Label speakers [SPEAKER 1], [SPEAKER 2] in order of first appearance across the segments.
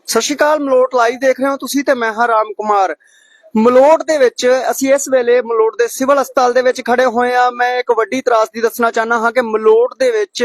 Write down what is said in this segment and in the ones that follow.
[SPEAKER 1] ਸਤਿ ਸ਼੍ਰੀ ਅਕਾਲ। ਮਲੋਟ ਲਾਈਵ ਦੇਖ ਰਹੇ ਹੋ ਤੁਸੀਂ ਤੇ ਮੈਂ ਹਾਂ ਰਾਮ ਕੁਮਾਰ। ਮਲੋਟ ਦੇ ਵਿੱਚ ਅਸੀਂ ਇਸ ਵੇਲੇ ਮਲੋਟ ਦੇ ਸਿਵਲ ਹਸਪਤਾਲ ਦੇ ਵਿੱਚ ਖੜੇ ਹੋਏ ਆ। ਮੈਂ ਇੱਕ ਵੱਡੀ ਤਰਾਸਦੀ ਦੱਸਣਾ ਚਾਹਨਾ ਹਾਂ ਕਿ ਮਲੋਟ ਦੇ ਵਿੱਚ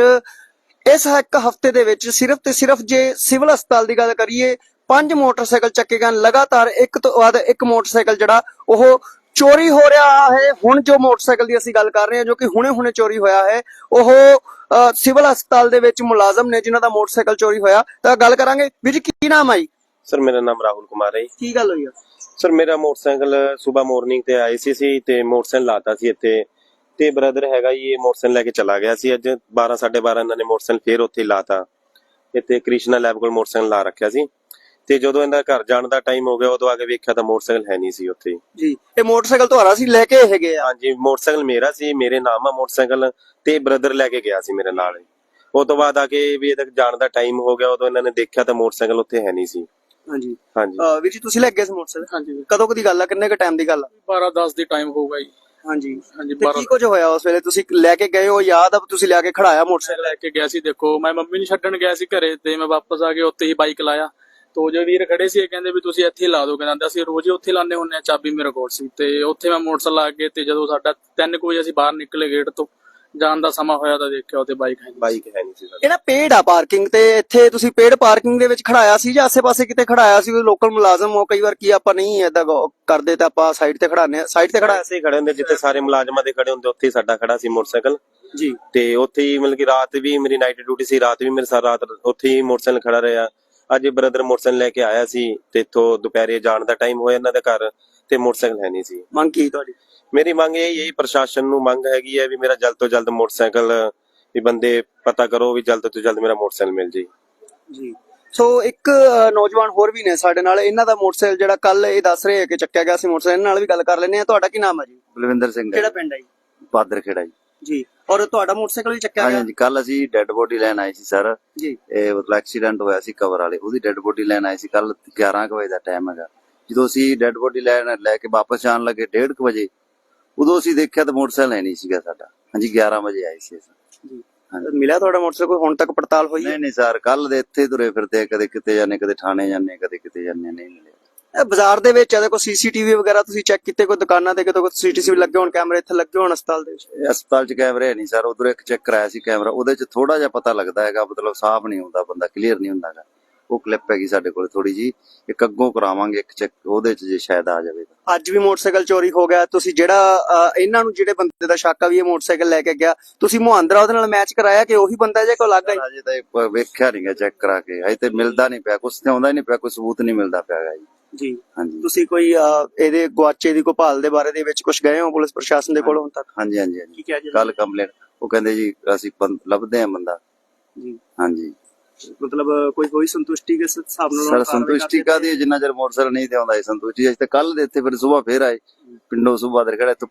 [SPEAKER 1] ਇਸ ਇੱਕ ਹਫਤੇ ਦੇ ਵਿੱਚ ਸਿਰਫ ਤੇ ਸਿਰਫ ਜੇ ਸਿਵਲ ਹਸਪਤਾਲ ਦੀ ਗੱਲ ਕਰੀਏ 5 ਮੋਟਰਸਾਈਕਲ ਚੱਕੇ ਗਏ ਲਗਾਤਾਰ, ਇੱਕ ਤੋਂ ਬਾਅਦ ਇੱਕ ਮੋਟਰਸਾਈਕਲ ਜਿਹੜਾ ਉਹ ਚੋਰੀ ਹੋ ਰਿਹਾ ਹੈ। ਹੁਣ ਜੋ ਮੋਟਰਸਾਈਕਲ ਦੀ ਅਸੀਂ ਗੱਲ ਕਰ ਰਹੇ ਹਾਂ ਜੋ ਕਿ ਹੁਣੇ ਚੋਰੀ ਹੋਇਆ ਹੈ, ਉਹ ਸਿਵਲ ਹਸਪਤਾਲ ਦੇ ਵਿੱਚ ਮੁਲਾਜ਼ਮ ਨੇ ਜਿਨ੍ਹਾਂ ਦਾ ਮੋਟਰਸਾਈਕਲ ਚੋਰੀ ਹੋਇਆ। ਤਾਂ ਗੱਲ ਕਰਾਂਗੇ। ਵੀਰ ਜੀ ਕੀ ਨਾਮ ਹੈ?
[SPEAKER 2] ਸਰ ਮੇਰਾ ਨਾਮ ਰਾਹੁਲ ਕੁਮਾਰ ਹੈ।
[SPEAKER 1] ਕੀ ਗੱਲ ਹੋਈ ਆ?
[SPEAKER 2] ਸਰ ਮੇਰਾ ਮੋਟਰਸਾਈਕਲ ਸਵੇਰ ਮਾਰਨਿੰਗ ਤੇ ਆਏ ਸੀ ਤੇ ਮੋਟਰਸਾਈਕਲ ਲਾਤਾ ਸੀ ਇੱਥੇ, ਤੇ ਬ੍ਰਦਰ ਹੈਗਾ ਜੀ, ਇਹ ਮੋਟਰਸਾਈਕਲ ਲੈ ਕੇ ਚਲਾ ਗਿਆ ਸੀ। ਅੱਜ 12 12:30 ਇਹਨਾਂ ਨੇ ਮੋਟਰਸਾਈਕਲ ਫੇਰ ਉੱਥੇ ਲਾਤਾ। ਇੱਥੇ ਕ੍ਰਿਸ਼ਨਾ ਲੈਬ ਕੋਲ ਮੋਟਰਸਾਈਕਲ ਲਾ ਰੱਖਿਆ ਸੀ, ਤੇ ਜਦੋਂ ਇਹਦਾ ਘਰ ਜਾਣ ਦਾ ਟਾਈਮ ਹੋ ਗਿਆ ਉਦੋਂ ਆ ਕੇ ਵੇਖਿਆ ਤਾਂ ਮੋਟਰਸਾਈਕਲ ਹੈ ਨਹੀਂ ਸੀ ਉੱਥੇ
[SPEAKER 1] ਜੀ। ਇਹ ਮੋਟਰਸਾਈਕਲ ਤੁਹਾਡਾ ਸੀ? ਲੈ ਕੇ ਹੈਗੇ ਆ?
[SPEAKER 2] ਹਾਂਜੀ, ਮੋਟਰਸਾਈਕਲ ਮੇਰਾ ਸੀ, ਮੇਰੇ ਨਾਮ ਆ ਮੋਟਰਸਾਈਕਲ, ਤੇ ਬ੍ਰਦਰ ਲੈ ਕੇ ਗਿਆ ਸੀ ਮੇਰੇ ਨਾਲ। ਉਹ ਤੋਂ ਬਾਅਦ ਆ ਕੇ ਵੀ ਇਹਦਾ ਜਾਣ ਦਾ ਟਾਈਮ ਹੋ ਗਿਆ, ਉਦੋਂ ਇਹਨਾਂ ਨੇ ਦੇਖਿਆ ਤਾਂ ਮੋਟਰਸਾਈਕਲ ਉੱਥੇ ਹੈ ਨਹੀਂ ਸੀ।
[SPEAKER 1] ਹਾਂਜੀ
[SPEAKER 2] ਹਾਂਜੀ
[SPEAKER 1] ਵੀਰ ਜੀ, ਤੁਸੀਂ ਲੈ ਗਏ ਸੀ ਮੋਟਰਸਾਈਕਲ?
[SPEAKER 3] ਹਾਂਜੀ,
[SPEAKER 1] ਕਦੋਂ ਕਦੀ ਗੱਲ ਆ? ਕਿੰਨੇ ਕ ਟਾਈਮ ਦੀ ਗੱਲ ਆ?
[SPEAKER 3] 12:10 ਦੀ ਟਾਈਮ ਹੋਊਗਾ ਜੀ।
[SPEAKER 1] ਹਾਂਜੀ
[SPEAKER 3] ਹਾਂਜੀ,
[SPEAKER 1] ਤੇ ਕੀ ਕੁਝ ਹੋਇਆ ਉਸ ਵੇਲੇ? ਤੁਸੀਂ ਲੈ ਕੇ ਗਏ ਹੋ, ਯਾਦ ਆ ਤੁਸੀਂ ਲਿਆ ਕੇ ਖੜਾਇਆ ਮੋਟਰਸਾਈਕਲ?
[SPEAKER 3] ਲੈ ਕੇ ਗਿਆ ਸੀ। ਦੇਖੋ, ਮੈਂ ਮੰਮੀ ਨੂੰ ਛੱਡਣ ਗਿਆ ਸੀ ਘਰੇ, ਤੇ ਮੈਂ ਵਾਪਸ ਆ ਕੇ ਉੱਥੇ ਹੀ ਬਾਈਕ ਲਾਇਆ। ਤੋ ਜੋ ਵੀਰ ਖੜੇ ਸੀ ਇਹ ਕਹਿੰਦੇ ਵੀ ਤੁਸੀਂ ਇੱਥੇ ਲਾ ਦੋ, ਕਹਿੰਦਾ ਅਸੀਂ ਰੋਜ਼ ਹੀ ਉੱਥੇ ਲਾਉਂਦੇ ਹੁੰਦੇ ਆ। ਚਾਬੀ ਮੇਰੇ ਕੋਲ ਸੀ, ਤੇ ਉੱਥੇ ਮੈਂ ਮੋਟਰਸਾਈਕਲ ਲਾ ਕੇ, ਤੇ ਜਦੋਂ ਸਾਡਾ 3 ਵਜੇ ਅਸੀਂ ਬਾਹਰ ਨਿਕਲੇ ਗੇਟ ਤੋਂ, ਜਾਣ ਦਾ ਸਮਾਂ ਹੋਇਆ ਤਾਂ ਦੇਖਿਆ ਉੱਥੇ ਬਾਈਕ ਹੈ
[SPEAKER 2] ਨਹੀਂ ਸੀ।
[SPEAKER 1] ਇਹ ਨਾ ਪੇਡ ਆ ਪਾਰਕਿੰਗ, ਤੇ ਇੱਥੇ ਤੁਸੀਂ ਪੇਡ ਪਾਰਕਿੰਗ ਦੇ ਵਿੱਚ ਖੜਾਇਆ ਸੀ ਜਾਂ ਆਸੇ-ਪਾਸੇ ਕਿਤੇ ਖੜਾਇਆ ਸੀ? ਲੋਕਲ ਮੁਲਾਜ਼ਮ ਹੋ, ਕਈ ਵਾਰ ਕੀ ਆਪਾਂ ਨਹੀਂ ਏਦਾਂ ਕਰਦੇ ਤਾਂ ਆਪਾਂ ਸਾਈਡ ਤੇ ਖੜਾਉਂਦੇ ਆ। ਸਾਈਡ ਤੇ ਖੜਾਇਆ
[SPEAKER 2] ਅਸੀਂ ਖੜੇ ਹੁੰਦੇ ਜਿੱਥੇ ਸਾਰੇ ਮੁਲਾਜ਼ਮਾਂ ਦੇ ਖੜੇ ਹੁੰਦੇ, ਉੱਥੇ ਹੀ ਸਾਡਾ ਖੜਾ ਸੀ ਮੋਟਰਸਾਈਕਲ
[SPEAKER 1] ਜੀ।
[SPEAKER 2] ਤੇ ਉੱਥੇ ਹੀ ਮਤਲਬ ਕਿ ਰਾਤ ਵੀ ਮੇਰੀ ਨਾਈਟ ਡਿਊਟੀ ਸੀ, ਰਾਤ ਵੀ ਮੇਰੇ ਸਾਰਾ ਰਾਤ ਉੱਥੇ ਹੀ ਮੋਟਰਸਾਈਕਲ ਖੜਾ ਰਿਹਾ। ਅੱਜ ਬ੍ਰਦਰ ਮੋਟਰਸਾਈਕਲ ਲੈ ਕੇ ਆਇਆ ਸੀ, ਤੇ ਇੱਥੋਂ ਦੁਪਹਿਰੇ ਜਾਣ ਦਾ ਟਾਈਮ ਹੋਇਆ ਇਹਨਾਂ ਦੇ ਘਰ, ਤੇ ਮੋਟਰਸਾਈਕਲ ਹੈ ਨਹੀਂ ਸੀ।
[SPEAKER 1] ਮੰਗ ਕੀ ਤੁਹਾਡੀ?
[SPEAKER 2] ਮੇਰੀ ਮੰਗ ਇਹ ਪ੍ਰਸ਼ਾਸਨ ਨੂੰ ਮੰਗ ਹੈਗੀ ਹੈ ਵੀ ਮੇਰਾ ਜਲਦ ਤੋਂ ਜਲਦ ਮੋਟਰਸਾਈਕਲ ਵੀ ਬੰਦੇ ਪਤਾ ਕਰੋ ਵੀ ਜਲਦ ਤੋਂ ਜਲਦ ਮੇਰਾ ਮੋਟਰਸਾਈਕਲ ਮਿਲ ਜੇ
[SPEAKER 1] ਜੀ। ਸੋ ਇੱਕ ਨੌਜਵਾਨ ਹੋਰ ਵੀ ਨੇ ਸਾਡੇ ਨਾਲ, ਇਹਨਾਂ ਦਾ ਮੋਟਰਸਾਈਕਲ ਜਿਹੜਾ ਕੱਲ ਇਹ ਦੱਸ ਰਹੇ ਕਿ ਚੱਕਿਆ ਗਿਆ ਸੀ ਮੋਟਰਸਾਈਕਲ, ਇਹਨਾਂ ਨਾਲ ਵੀ ਗੱਲ ਕਰ ਲੈਂਦੇ ਆ। ਤੁਹਾਡਾ ਕੀ ਨਾਮ ਹੈ ਜੀ?
[SPEAKER 4] ਬਲਵਿੰਦਰ ਸਿੰਘ।
[SPEAKER 1] ਕਿਹੜਾ ਪਿੰਡ ਹੈ ਜੀ?
[SPEAKER 4] ਬਾਦਰ ਖੇੜਾ ਜੀ।
[SPEAKER 1] ਔਰ ਤੁਹਾਡਾ ਮੋਟਰਸਾਈਕਲ ਵੀ ਚੱਕਿਆ ਗਿਆ?
[SPEAKER 4] ਹਾਂਜੀ, ਕੱਲ ਅਸੀਂ ਡੈੱਡ ਬੋਡੀ ਲੈਣ ਆਏ ਸੀ ਸਰ
[SPEAKER 1] ਜੀ।
[SPEAKER 4] ਇਹ ਮਤਲਬ ਐਕਸੀਡੈਂਟ ਹੋਇਆ ਸੀ ਕਵਰ ਵਾਲੇ, ਉਹਦੀ ਡੈੱਡ ਬੋਡੀ ਲੈਣ ਆਏ ਸੀ। ਕੱਲ 11 ਵਜੇ ਦਾ ਟਾਈਮ ਹੈਗਾ। ਜਦੋਂ ਅਸੀਂ ਡੈੱਡ ਬੋਡੀ ਲੈ ਕੇ ਵਾਪਸ ਜਾਣ ਲੱਗੇ 1:30 ਵਜੇ, ਉਦੋਂ ਅਸੀਂ ਦੇਖਿਆ ਤਾਂ ਮੋਟਰਸਾਈਕਲ ਹੈ ਨਹੀਂ ਸੀਗਾ ਸਾਡਾ। ਹਾਂਜੀ, 11 ਵਜੇ ਆਏ ਸੀ ਅਸੀਂ।
[SPEAKER 1] ਜੀ। ਮਿਲਿਆ ਤੁਹਾਡਾ ਮੋਟਰਸਾਈਕਲ? ਹੁਣ ਤੱਕ ਪੜਤਾਲ ਹੋਈ?
[SPEAKER 4] ਨਹੀਂ ਸਰ, ਕੱਲ ਦੇ ਇੱਥੇ ਤੁਰੇ ਫਿਰਦੇ, ਕਦੇ ਕਿਤੇ ਜਾਂਦੇ, ਕਦੇ ਥਾਣੇ ਜਾਂਦੇ, ਕਦੇ ਕਿਤੇ ਜਾਂਦੇ, ਨਹੀਂ ਮਿਲਿਆ।
[SPEAKER 1] ਇਹ ਬਾਜ਼ਾਰ ਦੇ ਵਿੱਚ ਇਹਦੇ ਕੋਈ ਸੀਸੀਟੀਵੀ ਵਗੈਰਾ ਤੁਸੀਂ ਚੈੱਕ ਕੀਤੇ? ਕੋਈ ਦੁਕਾਨਾਂ ਤੇ ਕਿਤੇ ਕੋਈ ਸੀਸੀਟੀਵੀ ਲੱਗੇ ਹੋਣ, ਕੈਮਰੇ ਇੱਥੇ ਲੱਗੇ ਹੋਣ ਹਸਪਤਾਲ ਦੇ ਵਿੱਚ?
[SPEAKER 4] ਹਸਪਤਾਲ 'ਚ ਕੈਮਰੇ ਹੈ ਨਹੀਂ ਸਰ। ਉਧਰ ਇੱਕ ਚੈੱਕ ਕਰਾਇਆ ਸੀ ਕੈਮਰਾ, ਉਹਦੇ 'ਚ ਥੋੜਾ ਜਿਹਾ ਪਤਾ ਲੱਗਦਾ ਹੈਗਾ, ਮਤਲਬ ਸਾਫ਼ ਨਹੀਂ ਹੁੰਦਾ, ਬੰਦਾ ਕਲੀਅਰ ਨਹੀਂ ਹੁੰਦਾ ਹੈਗਾ। ਉਹ ਕਲਿੱਪ ਹੈਗੀ ਸਾਡੇ ਕੋਲ ਥੋੜੀ ਜੀ, ਇੱਕ ਅੱਗੋਂ ਕਰਾਵਾਂਗੇ ਇੱਕ ਚੈੱਕ, ਉਹਦੇ 'ਚ ਜੇ ਸ਼ਾਇਦ ਆ ਜਾਵੇ।
[SPEAKER 1] ਅੱਜ ਵੀ ਮੋਟਰਸਾਈਕਲ ਚੋਰੀ ਹੋ ਗਿਆ। ਤੁਸੀਂ ਜਿਹੜਾ ਇਹਨਾਂ ਨੂੰ ਜਿਹੜੇ ਬੰਦੇ ਦਾ ਸ਼ੱਕ ਆ ਵੀ ਇਹ ਮੋਟਰਸਾਈਕਲ ਲੈ ਕੇ ਗਿਆ, ਤੁਸੀਂ ਮੁਹੰਦਰਾ ਉਹਦੇ ਨਾਲ ਮੈਚ ਕਰਾਇਆ ਕਿ ਉਹੀ ਬੰਦਾ ਜੇ ਕੋਈ ਅਲੱਗ ਹੈ?
[SPEAKER 4] ਅਜੇ ਤਾਂ ਵੇਖਿਆ ਨਹੀਂ ਗਿਆ ਚੈੱਕ ਕਰਾ ਕੇ, ਅਜੇ ਤੇ ਮਿਲਦਾ ਨਹੀਂ ਪਿਆ, ਕੁਛ ਤੇ ਆਉਂਦਾ ਨਹੀਂ ਪਿਆ, ਕੋਈ ਸਬੂਤ ਨਹੀਂ ਮਿਲਦਾ ਪਿਆ
[SPEAKER 1] ਜੀ।
[SPEAKER 4] ਹਾਂਜੀ।
[SPEAKER 1] ਤੁਸੀਂ ਕੋਈ ਇਹਦੇ ਗੁਆਚੇ ਦੀ ਕੋਈ ਭਾਲ ਦੇ ਬਾਰੇ ਦੇ ਵਿੱਚ ਕੁਝ ਗਏ ਹੋ ਪੁਲਿਸ ਪ੍ਰਸ਼ਾਸਨ ਦੇ ਕੋਲ ਹੁਣ ਤੱਕ?
[SPEAKER 4] ਹਾਂਜੀ। ਕੱਲ ਕੰਪਲੇਂਟ ਉਹ ਕਹਿੰਦੇ ਜੀ ਅਸੀਂ ਲੱਭਦੇ ਆ ਬੰਦਾ ਜੀ। ਹਾਂਜੀ,
[SPEAKER 1] ਮਤਲਬ ਕੋਈ ਹੋਈ ਸੰਤੁਸ਼ਟੀ ਕਿਸ ਹਿਸਾਬ ਨਾਲ?
[SPEAKER 4] ਸਰ ਸੰਤੁਸ਼ਟੀ ਕਾਦੀ, ਜਿੰਨਾ ਚਿਰ ਮੋਟਰਸਾਈਕਲ ਨਹੀਂ ਤੇ ਆਉਂਦਾ ਸੰਤੁਸ਼ਟੀ। ਅਸੀਂ ਤਾਂ ਕੱਲ ਦੇ ਇੱਥੇ ਫਿਰ ਸਵੇਰ ਫੇਰ ਆਏ ਪਿੰਡੋਂ, ਸਵੇਰ ਦੇ ਖੜਾ ਇੱਥੋਂ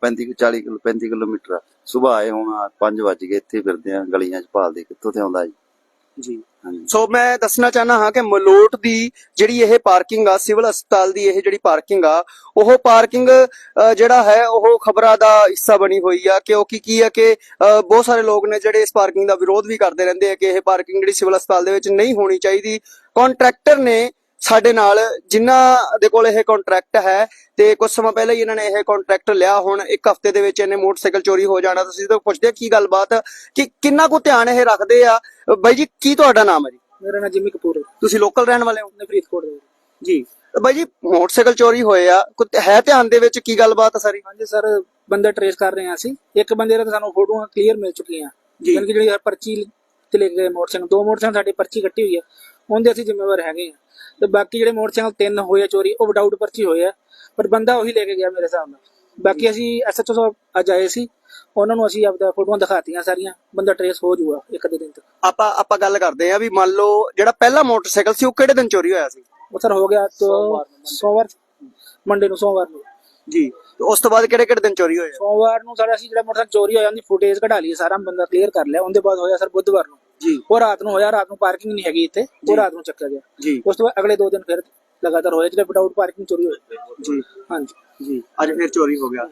[SPEAKER 4] 35 ਕਿਲੋਮੀਟਰ ਸਵੇਰ ਆਏ। ਹੁਣ 5 ਵਜ ਗਏ, ਇੱਥੇ ਫਿਰਦੇ ਆ ਗਲੀਆਂ 'ਚ ਭਾਲਦੇ ਕਿੱਥੋਂ ਤੇ ਆਉਂਦਾ ਜੀ।
[SPEAKER 1] ਸੋ ਮੈਂ ਦੱਸਣਾ ਚਾਹਨਾ ਹਾਂ ਕਿ ਮਲੋਟ ਦੀ ਜਿਹੜੀ ਇਹ ਪਾਰਕਿੰਗ ਆ, ਸਿਵਲ ਹਸਪਤਾਲ ਦੀ ਇਹ ਜਿਹੜੀ ਪਾਰਕਿੰਗ ਆ, ਉਹ ਪਾਰਕਿੰਗ ਜਿਹੜਾ ਹੈ ਉਹ ਖਬਰਾਂ ਦਾ ਹਿੱਸਾ ਬਣੀ ਹੋਈ ਆ। ਕਿਉਂਕਿ ਕੀ ਆ ਕਿ ਬਹੁਤ ਸਾਰੇ ਲੋਕ ਨੇ ਜਿਹੜੇ ਇਸ ਪਾਰਕਿੰਗ ਦਾ ਵਿਰੋਧ ਵੀ ਕਰਦੇ ਰਹਿੰਦੇ ਆ ਕਿ ਇਹ ਪਾਰਕਿੰਗ ਜਿਹੜੀ ਸਿਵਲ ਹਸਪਤਾਲ ਦੇ ਵਿੱਚ ਨਹੀਂ ਹੋਣੀ ਚਾਹੀਦੀ। ਕੰਟਰੈਕਟਰ ਨੇ ਸਾਡੇ ਨਾਲ, ਜਿਨ੍ਹਾਂ ਦੇ ਕੋਲ ਇਹ ਕੰਟਰੈਕਟ ਹੈ, ਤੇ ਕੁਝ ਸਮਾਂ ਪਹਿਲਾਂ ਹੀ ਇਹਨਾਂ ਨੇ ਇਹ ਕੰਟਰੈਕਟ ਲਿਆ। ਹੁਣ ਇੱਕ ਹਫ਼ਤੇ ਦੇ ਵਿੱਚ ਇਹਨੇ ਮੋਟਰਸਾਈਕਲ ਚੋਰੀ ਹੋ ਜਾਣਾ। ਤੁਸੀਂ ਜਦੋਂ ਪੁੱਛਦੇ ਕੀ ਗੱਲਬਾਤ ਕਿ ਕਿੰਨਾ ਕੁ ਧਿਆਨ ਇਹ ਰੱਖਦੇ ਆ। ਬਾਈ ਜੀ, ਕੀ ਤੁਹਾਡਾ ਨਾਮ ਹੈ ਜੀ?
[SPEAKER 3] ਮੇਰਾ ਨਾਮ ਜਿਮੀ ਕਪੂਰ ਹੈ।
[SPEAKER 1] ਤੁਸੀਂ ਲੋਕਲ ਰਹਿਣ ਵਾਲੇ ਹੋ?
[SPEAKER 3] ਫਰੀਦਕੋਟ ਦੇ
[SPEAKER 1] ਜੀ। ਬਾਈ ਜੀ, ਮੋਟਰਸਾਈਕਲ ਚੋਰੀ ਹੋਏ ਆ, ਹੈ ਧਿਆਨ ਦੇ ਵਿੱਚ ਕੀ ਗੱਲਬਾਤ ਆ ਸਾਰੀ?
[SPEAKER 3] ਹਾਂਜੀ ਸਰ, ਬੰਦਾ ਟ੍ਰੇਸ ਕਰ ਰਹੇ ਆ ਅਸੀਂ। ਇੱਕ ਬੰਦੇ ਦਾ ਸਾਨੂੰ ਫੋਟੋਆਂ ਕਲੀਅਰ ਮਿਲ ਚੁੱਕੀਆਂ, ਯਾਨੀ ਕਿ ਜਿਹੜੀ ਪਰਚੀ ਤੇ ਲੈ ਕੇ ਗਏ ਮੋਟਰਸਾਈਕਲ, 2 ਮੋਟਰਸਾਈਕਲ ਸਾਡੀ ਪਰਚੀ ਕੱਟੀ ਹੋਈ ਹੈ, ਉਹਦੇ ਅਸੀਂ ਜ਼ਿੰਮੇਵਾਰ ਹੈਗੇ ਆ। ਤੇ ਬਾਕੀ ਜਿਹੜੇ ਮੋਟਰਸਾਈਕਲ 3 ਹੋਏ ਆ ਚੋਰੀ, ਉਹ ਵਿਦਆਊਟ ਪਰਚੀ ਹੋਏ ਆ, ਪਰ ਬੰਦਾ ਉਹੀ ਲੈ ਕੇ ਗਿਆ ਮੇਰੇ ਹਿਸਾਬ ਨਾਲ। ਬਾਕੀ ਅਸੀਂ SHO ਸਾਹਿਬ ਅੱਜ ਆਏ ਸੀ, ਉਹਨਾਂ ਨੂੰ ਅਸੀਂ ਆਪਦਾ ਫੋਟੋਆਂ ਦਿਖਾਤੀਆਂ ਸਾਰੀਆਂ, ਬੰਦਾ ਟ੍ਰੇਸ ਹੋ ਜਾਊਗਾ ਇੱਕ ਅੱਧੇ ਦਿਨ ਤੱਕ।
[SPEAKER 1] ਆਪਾਂ ਗੱਲ ਕਰਦੇ ਆ ਵੀ ਮੰਨ ਲਓ ਜਿਹੜਾ ਪਹਿਲਾ ਮੋਟਰਸਾਈਕਲ ਸੀ ਉਹ ਕਿਹੜੇ ਦਿਨ ਚੋਰੀ ਹੋਇਆ ਸੀ?
[SPEAKER 3] ਉਹ ਸਰ ਹੋ ਗਿਆ ਸੋਮਵਾਰ, ਮੰਡੇ ਨੂੰ, ਸੋਮਵਾਰ ਨੂੰ
[SPEAKER 1] ਜੀ। ਉਸ ਤੋਂ ਬਾਅਦ ਕਿਹੜੇ ਦਿਨ ਚੋਰੀ ਹੋਏ?
[SPEAKER 3] ਸੋਮਵਾਰ ਨੂੰ ਸਾਡਾ ਅਸੀਂ ਜਿਹੜਾ ਮੋਟਰਸਾਈਕਲ ਚੋਰੀ ਹੋਇਆ ਉਹਦੀ ਫੁਟੇਜ ਕਢਾ ਲਈ, ਸਾਰਾ ਬੰਦਾ ਕਲੀਅਰ ਕਰ ਲਿਆ। ਉਹਦੇ ਬਾਅਦ ਹੋਇਆ ਸਰ ਬੁੱਧਵਾਰ ਨੂੰ
[SPEAKER 1] ਜੀ।
[SPEAKER 3] ਉਹ ਰਾਤ ਨੂੰ ਹੋਇਆ, ਰਾਤ ਨੂੰ ਪਾਰਕਿੰਗ ਨਹੀਂ ਹੈਗੀ ਇੱਥੇ, ਉਹ ਰਾਤ ਨੂੰ ਚੱਕਿਆ ਗਿਆ ਜੀ। ਉਸ ਤੋਂ ਬਾਅਦ ਅਗਲੇ 2 ਦਿਨ ਫਿਰ ਲਗਾਤਾਰ ਹੋਇਆ ਜਿਹੜੇ ਵਿਦਆਊਟ ਪਾਰਕਿੰਗ ਚੋਰੀ ਹੋਏ ਜੀ। ਹਾਂਜੀ ਜੀ,
[SPEAKER 1] ਅੱਜ ਫਿਰ ਚੋਰੀ ਹੋ ਗਿਆ।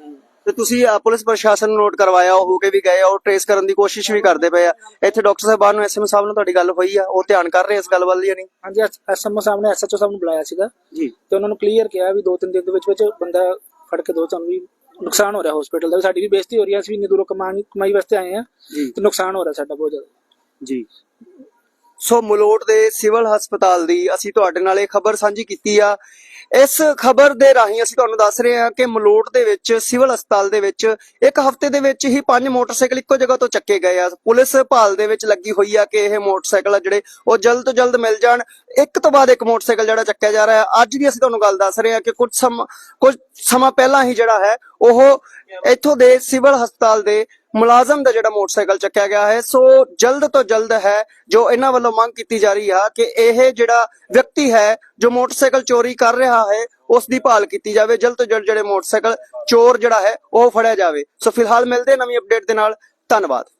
[SPEAKER 1] ਤੇ ਤੁਸੀਂ ਪੁਲਿਸ ਪ੍ਰਸ਼ਾਸਨ ਨੂੰ ਨੋਟ ਕਰਵਾਇਆ, ਉਹ ਹੋ ਕੇ ਵੀ ਗਏ ਆ, ਉਹ ਟ੍ਰੇਸ ਕਰਨ ਦੀ ਕੋਸ਼ਿਸ਼ ਵੀ ਕਰਦੇ ਪਏ ਆ। ਇੱਥੇ ਡਾਕਟਰ ਸਾਹਿਬਾਨ ਨੂੰ ਐਸਐਮਓ ਸਾਹਿਬ ਨਾਲ ਤੁਹਾਡੀ ਗੱਲ ਹੋਈ ਆ, ਉਹ ਧਿਆਨ ਕਰ ਰਹੇ ਇਸ ਗੱਲ ਵੱਲ ਜਾਂ ਨਹੀਂ?
[SPEAKER 3] ਹਾਂਜੀ, ਐਸਐਮਓ ਸਾਹਿਬ ਨੇ ਐਸਐਚਓ ਸਾਹਿਬ ਨੂੰ ਬੁਲਾਇਆ ਸੀਗਾ
[SPEAKER 1] ਜੀ
[SPEAKER 3] ਤੇ ਉਹਨਾਂ ਨੂੰ ਕਲੀਅਰ ਕਿਹਾ ਵੀ 2-3 ਦਿਨ ਦੇ ਵਿੱਚ ਬੰਦਾ ਫੜ ਕੇ ਦੋ, ਤੁਹਾਨੂੰ ਵੀ ਨੁਕਸਾਨ ਹੋ ਰਿਹਾ ਹਸਪੀਟਲ ਦਾ, ਸਾਡੀ ਵੀ ਬੇਇੱਜ਼ਤੀ ਹੋ ਰਹੀ ਹੈ, ਅਸੀਂ ਵੀ ਇੰਨੀ ਦੂਰੋਂ ਕਮਾਈ ਵਾਸਤੇ ਆਏ ਆ
[SPEAKER 1] ਜੀ
[SPEAKER 3] ਤੇ ਨੁਕਸਾਨ ਹੋ ਰਿਹਾ ਸਾਡਾ ਬਹੁਤ ਜ਼ਿਆਦਾ।
[SPEAKER 1] ਜੀ ਸੋ ਮਲੋਟ ਦੇ ਸਿਵਲ ਹਸਪਤਾਲ ਦੀ ਅਸੀਂ ਤੁਹਾਡੇ ਨਾਲ ਇਹ ਖਬਰ ਸਾਂਝੀ ਕੀਤੀ ਆ। ਇਸ ਖਬਰ ਦੇ ਰਾਹੀਂ ਅਸੀਂ ਤੁਹਾਨੂੰ ਦੱਸ ਰਹੇ ਹਾਂ ਕਿ ਮਲੋਟ ਦੇ ਵਿੱਚ ਸਿਵਲ ਹਸਪਤਾਲ ਦੇ ਵਿੱਚ ਇੱਕ ਹਫ਼ਤੇ ਦੇ ਵਿੱਚ ਹੀ 5 ਮੋਟਰਸਾਈਕਲ ਇੱਕੋ ਜਗ੍ਹਾ ਤੋਂ ਚੱਕੇ ਗਏ ਆ। ਪੁਲਿਸ ਭਾਲ ਦੇ ਵਿੱਚ ਲੱਗੀ ਹੋਈ ਆ ਕਿ ਇਹ ਮੋਟਰਸਾਈਕਲ ਆ ਜਿਹੜੇ ਉਹ ਜਲਦ ਤੋਂ ਜਲਦ ਮਿਲ ਜਾਣ। ਇੱਕ ਤੋਂ ਬਾਅਦ ਇੱਕ ਮੋਟਰਸਾਈਕਲ ਜਿਹੜਾ ਚੱਕਿਆ ਜਾ ਰਿਹਾ ਹੈ। ਅੱਜ ਦੀ ਅਸੀਂ ਤੁਹਾਨੂੰ ਗੱਲ ਦੱਸ ਰਹੇ ਹਾਂ ਕਿ ਕੁਝ ਸਮਾਂ ਪਹਿਲਾਂ ਹੀ ਜਿਹੜਾ ਹੈ ਉਹ ਇੱਥੋਂ ਦੇ ਸਿਵਲ ਹਸਪਤਾਲ ਦੇ ਮੁਲਾਜ਼ਮ ਦਾ ਜਿਹੜਾ ਮੋਟਰਸਾਈਕਲ ਚੱਕਿਆ ਗਿਆ ਹੈ। ਸੋ ਜਲਦ ਤੋਂ ਜਲਦ ਹੈ ਜੋ ਇਹਨਾਂ ਵੱਲੋਂ ਮੰਗ ਕੀਤੀ ਜਾ ਰਹੀ ਆ ਕਿ ਇਹ ਜਿਹੜਾ ਵਿਅਕਤੀ ਹੈ ਜੋ ਮੋਟਰਸਾਈਕਲ ਚੋਰੀ ਕਰ ਰਿਹਾ ਹੈ ਉਸ ਦੀ ਭਾਲ ਕੀਤੀ ਜਾਵੇ। ਜਲਦ ਤੋਂ ਜਲਦ ਜਿਹੜੇ ਮੋਟਰਸਾਈਕਲ ਚੋਰ ਜਿਹੜਾ ਹੈ ਉਹ ਫੜਿਆ ਜਾਵੇ। ਸੋ ਫਿਲਹਾਲ ਮਿਲਦੇ ਨਵੀਂ ਅਪਡੇਟ ਦੇ ਨਾਲ। ਧੰਨਵਾਦ।